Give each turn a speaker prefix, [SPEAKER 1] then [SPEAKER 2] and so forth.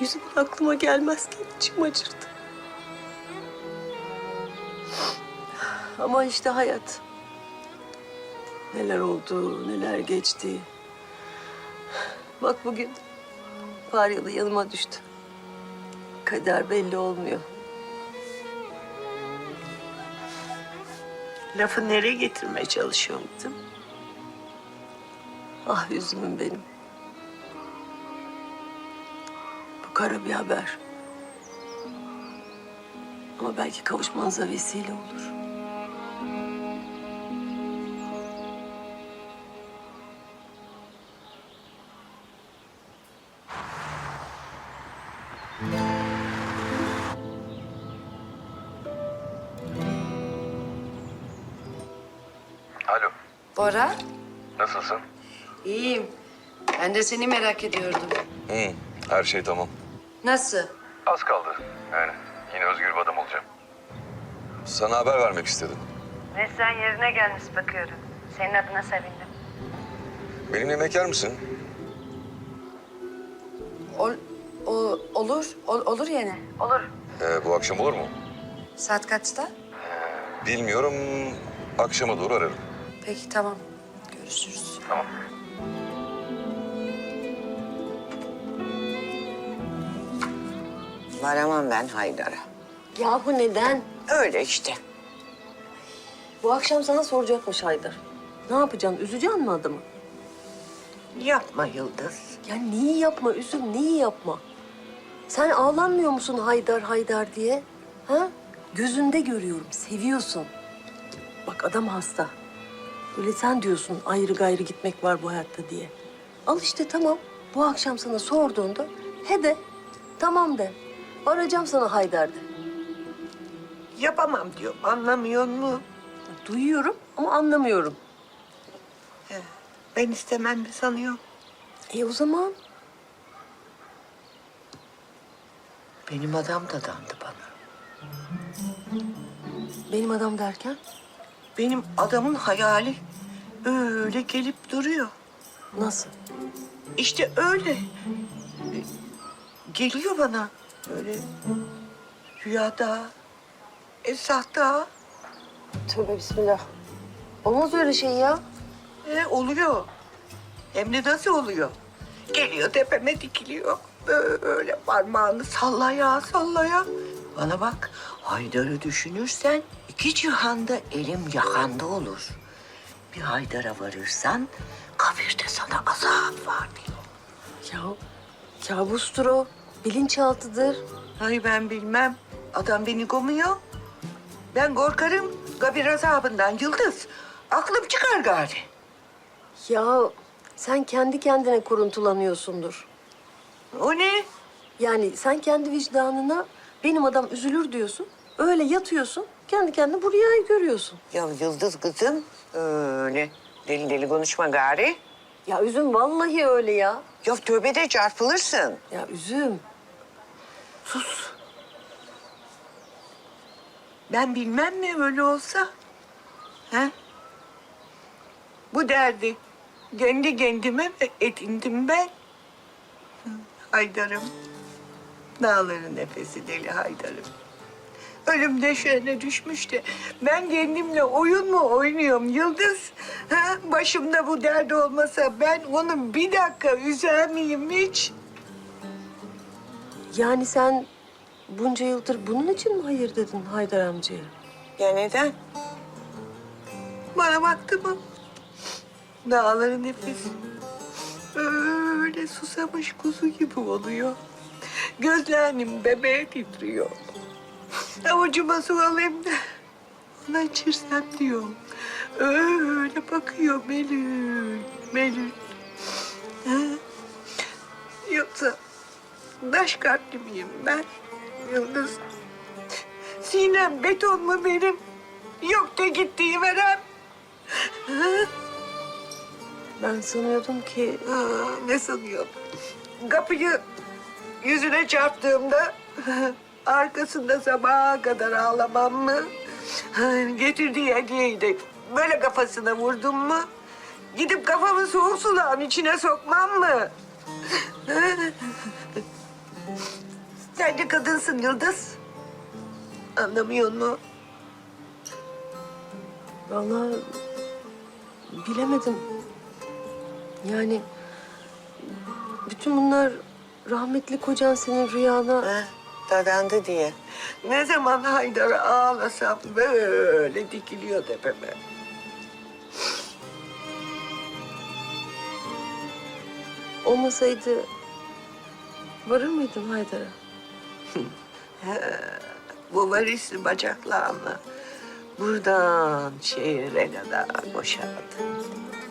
[SPEAKER 1] Yüzümün aklıma gelmezken içim acırdı. Ama işte hayat. Neler oldu, neler geçti. Bak bugün Faryalı yanıma düştü. Kader belli olmuyor.
[SPEAKER 2] Lafı nereye getirmeye çalışıyorsun kızım?
[SPEAKER 1] Ah üzümüm benim. Bu kara bir haber. Ama belki kavuşmanıza vesile olur.
[SPEAKER 3] Alo,
[SPEAKER 4] Bora,
[SPEAKER 3] nasılsın?
[SPEAKER 4] iyiyim. Ben de seni merak ediyordum.
[SPEAKER 3] Her şey tamam.
[SPEAKER 4] Nasıl?
[SPEAKER 3] Az kaldı. Yani yine özgür bir adam olacağım. Sana haber vermek istedim.
[SPEAKER 4] Neslihan yerine gelmiş bakıyorum. Senin adına sevindim.
[SPEAKER 3] Benimle yemek yer misin?
[SPEAKER 4] Olur yani. Olur.
[SPEAKER 3] Bu akşam olur mu?
[SPEAKER 4] Saat kaçta?
[SPEAKER 3] Bilmiyorum. Akşama doğru ararım.
[SPEAKER 4] Peki tamam. Görüşürüz.
[SPEAKER 3] Tamam.
[SPEAKER 2] Varamam ben Haydar'a.
[SPEAKER 1] Yahu neden?
[SPEAKER 2] Öyle işte.
[SPEAKER 1] Bu akşam sana soracakmış Haydar. Ne yapacaksın? Üzeceksin mi adamı?
[SPEAKER 2] Yapma Yıldız.
[SPEAKER 1] Ya neyi yapma üzüm, neyi yapma? Sen ağlanmıyor musun Haydar Haydar diye? Ha? Gözünde görüyorum, seviyorsun. Bak adam hasta. Öyle sen diyorsun ayrı gayrı gitmek var bu hayatta diye. Al işte tamam. Bu akşam sana sorduğunda he de, tamam de. Arayacağım sana Haydar de.
[SPEAKER 2] Yapamam diyorum. Anlamıyor mu?
[SPEAKER 1] Duyuyorum ama anlamıyorum.
[SPEAKER 2] Ben istemem mi sanıyorum?
[SPEAKER 1] O zaman
[SPEAKER 2] Benim adam da dandı bana.
[SPEAKER 1] benim adam derken
[SPEAKER 2] Benim adamın hayali öyle gelip duruyor.
[SPEAKER 1] nasıl?
[SPEAKER 2] İşte öyle. Geliyor bana böyle rüyada, esahta.
[SPEAKER 1] Tövbe bismillah. Olmaz öyle şey ya.
[SPEAKER 2] Oluyor. Hem de nasıl oluyor? Geliyor tepeme dikiliyor. Böyle parmağını sallaya sallaya. Bana bak, Haydar'ı düşünürsen iki cihanda elim yakanda olur. Bir Haydar'a varırsan kabirde sana azap var diyor.
[SPEAKER 1] Ya kabustur o. Bilinçaltıdır.
[SPEAKER 2] Ay ben bilmem. Adam beni komuyor. Ben korkarım kabir azabından Yıldız. Aklım çıkar gari.
[SPEAKER 1] Ya sen kendi kendine kuruntulanıyorsundur.
[SPEAKER 2] O ne?
[SPEAKER 1] Yani sen kendi vicdanına benim adam üzülür diyorsun. Öyle yatıyorsun. Kendi kendine bu rüyayı görüyorsun.
[SPEAKER 2] Ya Yıldız kızım öyle deli deli konuşma gari.
[SPEAKER 1] Ya üzüm vallahi öyle ya.
[SPEAKER 2] Ya tövbe de çarpılırsın.
[SPEAKER 1] Ya üzüm. Sus.
[SPEAKER 2] Ben bilmem mi öyle olsa? He? Bu derdi kendi kendime mi edindim ben? Haydar'ım. Dağların nefesi deli Haydar'ım. Ölüm döşeğine düşmüş de ben kendimle oyun mu oynuyorum Yıldız? Ha? Başımda bu dert olmasa ben onu bir dakika üzer miyim hiç?
[SPEAKER 1] Yani sen bunca yıldır bunun için mi hayır dedin Haydar amcaya?
[SPEAKER 2] Ya neden? Bana baktı mı? Dağların nefesi öyle susamış kuzu gibi oluyor. Gözlerim bebeğe titriyor. Avucuma su alayım da ona içirsem diyorum. Öyle bakıyor Melül, Melül. Ha? Yoksa taş kalpli miyim ben Yıldız? Sinem beton mu benim? Yok da gittiği verem.
[SPEAKER 1] Ben sanıyordum ki
[SPEAKER 2] Ne sanıyorum? Kapıyı yüzüne çarptığımda arkasında sabaha kadar ağlamam mı? Getirdiği hediyeyi de böyle kafasına vurdum mu? Gidip kafamı soğuk suların içine sokmam mı? Sen de kadınsın Yıldız. Anlamıyor musun?
[SPEAKER 1] Vallahi bilemedim. Yani bütün bunlar rahmetli kocan senin rüyana...
[SPEAKER 2] Ha, dadandı diye. Ne zaman Haydar'ı ağlasam böyle dikiliyor tepeme.
[SPEAKER 1] Olmasaydı varır mıydın Haydar'a?
[SPEAKER 2] Bu varisli bacaklarını buradan şehire kadar boşaldı.